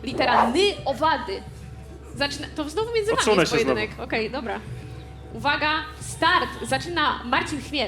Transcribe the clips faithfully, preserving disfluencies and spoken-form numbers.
Litera ny, owady. Zaczyna... To znowu między wami Odsunę jest się pojedynek. Okej, dobra. Uwaga, start. Zaczyna Marcin Chmiel.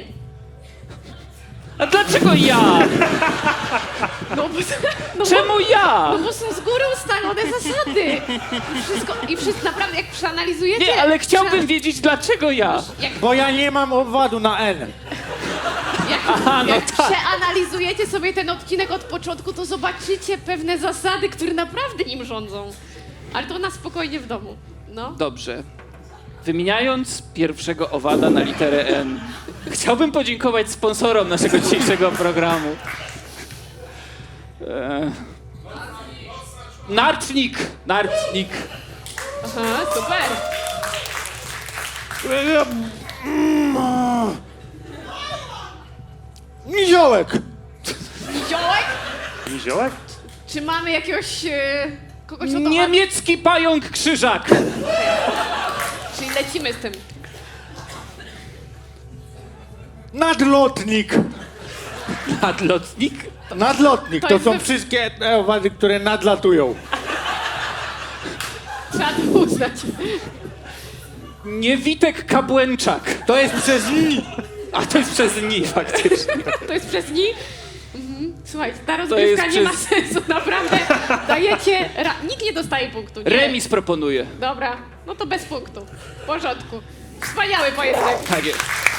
A dlaczego ja? No bo, no Czemu bo, ja? no bo są z góry ustalone zasady. I wszystko, i wszystko naprawdę, jak przeanalizujecie... Nie, ale chciałbym przean- wiedzieć, dlaczego ja. Jak, Bo ja nie mam owadu na N. jak, Aha, no jak tak. przeanalizujecie sobie ten odcinek od początku, to zobaczycie pewne zasady, które naprawdę nim rządzą. Ale to na spokojnie w domu. No. Dobrze. Wymieniając pierwszego owada na literę N, chciałbym podziękować sponsorom naszego dzisiejszego programu. Eee... Narcznik! Narcznik! Aha, super. Niziołek! Niziołek? Niziołek? Czy mamy jakiegoś... E, kogoś o to... Niemiecki pająk krzyżak! Czyli lecimy z tym. Nadlotnik! Nadlotnik? Nadlotnik To to jest są wy- wszystkie te owady, które nadlatują. Trzeba to uznać. Niewitek kabłęczak. To jest przez N. A to jest przez ni faktycznie. To jest przez nich. Mhm. Słuchajcie, ta rozgrywka jest nie ma przez- sensu, naprawdę. Dajecie... Ra... Nikt nie dostaje punktu. Nie. Remis proponuję. Dobra, no to bez punktu. W porządku. Wspaniały pojedynek. Tak jest.